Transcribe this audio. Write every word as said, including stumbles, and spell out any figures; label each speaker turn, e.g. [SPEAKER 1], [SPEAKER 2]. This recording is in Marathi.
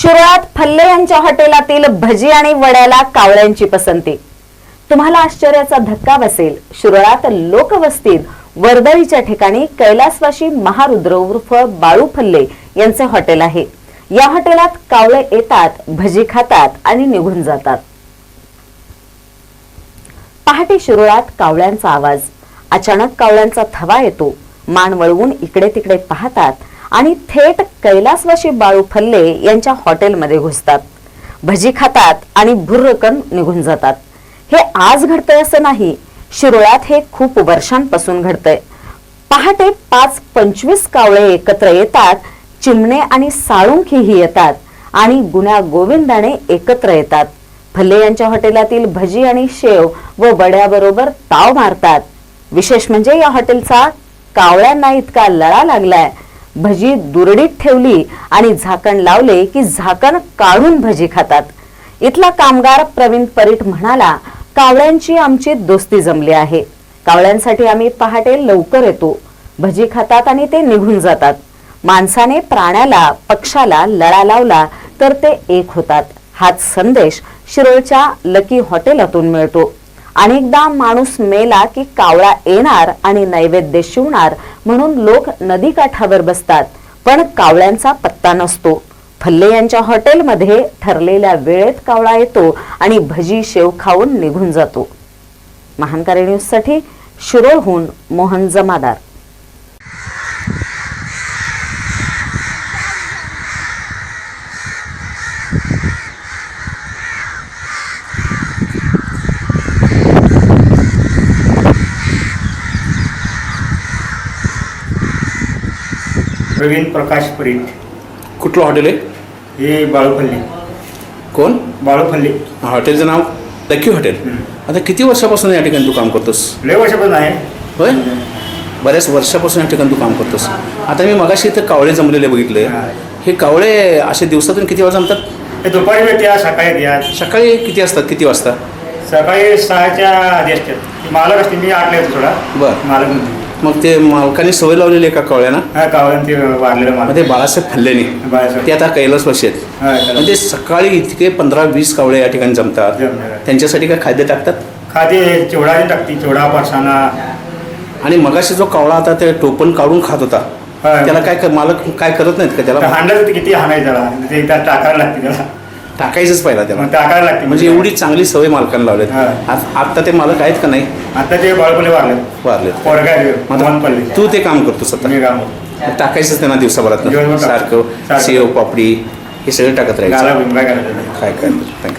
[SPEAKER 1] शिरोळात फल्ले यांच्या हॉटेलातील भजी आणि वड्याला कावळ्यांची पसंती। तुम्हाला आश्चर्याचा धक्का बसेल, शिरोळात लोकवस्तीत वर्दळीच्या ठिकाणी कैलासवासी महारुद्र उर्फ बाळू फल्ले यांचे हॉटेल आहे। या हॉटेलात कावळे येतात, भजी खातात आणि निघून जातात। पहाटे शिरोळात कावळ्यांचा आवाज, अचानक कावळ्यांचा थवा येतो, मान वळवून इकडे तिकडे पाहतात आणि थेट कैलासवासी बाळू फल्ले यांच्या हॉटेलमध्ये घुसतात, भजी खातात आणि भुर्रकन निघून जातात। हे आज घडतंय असं नाही, शिरोळात हे खूप वर्षांपासून घडतंय। पहाटे पाच पंचवीस कावळे एकत्र येतात, चिमणे आणि साळुंखीही येतात आणि गुण्या गोविंदाने एकत्र येतात। फल्ले यांच्या हॉटेलातील भजी आणि शेव व वड्याबरोबर ताव मारतात। विशेष म्हणजे या हॉटेलचा कावळ्यांना इतका लळा लागलाय, भजी दुरडीत ठेवली आणि झाकण लावले की झाकण काढून भजी खातात। इथला कामगार प्रवीण परीट म्हणाला, कावळ्यांची आमची दोस्ती जमली आहे। कावळ्यांसाठी आम्ही पहाटे लवकर येतो, भजी खातात आणि ते निघून जातात। माणसाने प्राण्याला पक्षाला लळा लावला तर ते एक होतात, हाच संदेश शिरोळच्या लकी हॉटेलातून मिळतो। अनेकदा माणूस मेला की कावळा येणार आणि नैवेद्य शिवणार म्हणून लोक नदीकाठावर बसतात, पण कावळ्यांचा पत्ता नसतो। फल्ले यांच्या हॉटेलमध्ये ठरलेल्या वेळेत कावळा येतो आणि भजी शेव खाऊन निघून जातो। महानकारी न्यूज साठी शिरोळहून मोहन जमादार।
[SPEAKER 2] प्रवीण प्रकाश परीट।
[SPEAKER 3] कुठलं हॉटेल आहे
[SPEAKER 2] हे बाळू फल्ले।
[SPEAKER 3] कोण?
[SPEAKER 2] बाळू फल्ले
[SPEAKER 3] हॉटेलचं नाव लकी हॉटेल। आता किती वर्षापासून या ठिकाणी तू काम करतोस?
[SPEAKER 2] लय वर्षापासून आहे।
[SPEAKER 3] होय, बऱ्याच वर्षापासून या ठिकाणी तू काम करतोस। आता मी मगाशी इथं कावळे जमलेले बघितले। हे कावळे असे दिवसातून किती वेळा जमतात?
[SPEAKER 2] हे दुपारी भेटतात, सकाळी येतात।
[SPEAKER 3] सकाळी किती असतात, किती वाजता?
[SPEAKER 2] सकाळी सहाच्या आधी असतात। मालक असते, मी आठला येतो थोडा।
[SPEAKER 3] बरं,
[SPEAKER 2] मालक म्हणते
[SPEAKER 3] मग ते मालकाने सवय लावलेली आहे का कावळ्यांना?
[SPEAKER 2] हा, कावळ्यानं ते वारलेलं
[SPEAKER 3] मग
[SPEAKER 2] मालक
[SPEAKER 3] ते बाळासाहेब फल्लेने
[SPEAKER 2] बाळासाहेब.
[SPEAKER 3] ते आता कैलासवासी आहेत।
[SPEAKER 2] हा, त्याला-
[SPEAKER 3] म्हणजे सकाळी इतके पंधरा वीस कावळे या ठिकाणी जमतात।
[SPEAKER 2] जमतात.
[SPEAKER 3] त्यांच्यासाठी काय खाद्य टाकतात?
[SPEAKER 2] खाते चिवडा टाकते, चिवडा फरसाणा।
[SPEAKER 3] आणि मगाशी जो कावळा आता ते टोपण काढून खात होता,
[SPEAKER 2] हा.
[SPEAKER 3] त्याला काय क- मालक काय करत नाहीत का त्याला?
[SPEAKER 2] हांडत किती हाणायचं त्याला, ते त्यात टाकायला लागते त्याला,
[SPEAKER 3] टाकायचंच पाहिला त्याला,
[SPEAKER 2] मग टाकायला लागते।
[SPEAKER 3] म्हणजे एवढी चांगली सवय मालकांना लावलेत।
[SPEAKER 2] हा.
[SPEAKER 3] आत- आता ते मालक आहेत का नाही?
[SPEAKER 2] आता ते बाळूपल्ले वारले,
[SPEAKER 3] वारलेत।
[SPEAKER 2] पोरगा
[SPEAKER 3] मग
[SPEAKER 2] मोहन
[SPEAKER 3] आता
[SPEAKER 2] पल्ले।
[SPEAKER 3] तू ते काम करतोस आता?
[SPEAKER 2] मी काम
[SPEAKER 3] टाकायचंच त्यांना दिवसाभरात
[SPEAKER 2] दिवसभर टाक-
[SPEAKER 3] सारखं
[SPEAKER 2] सारखं.
[SPEAKER 3] सेव पापडी हे सगळं टाकत
[SPEAKER 2] गाला
[SPEAKER 3] राहायचं।
[SPEAKER 2] बिंबा करायचा।
[SPEAKER 3] काय काय थँक्यू।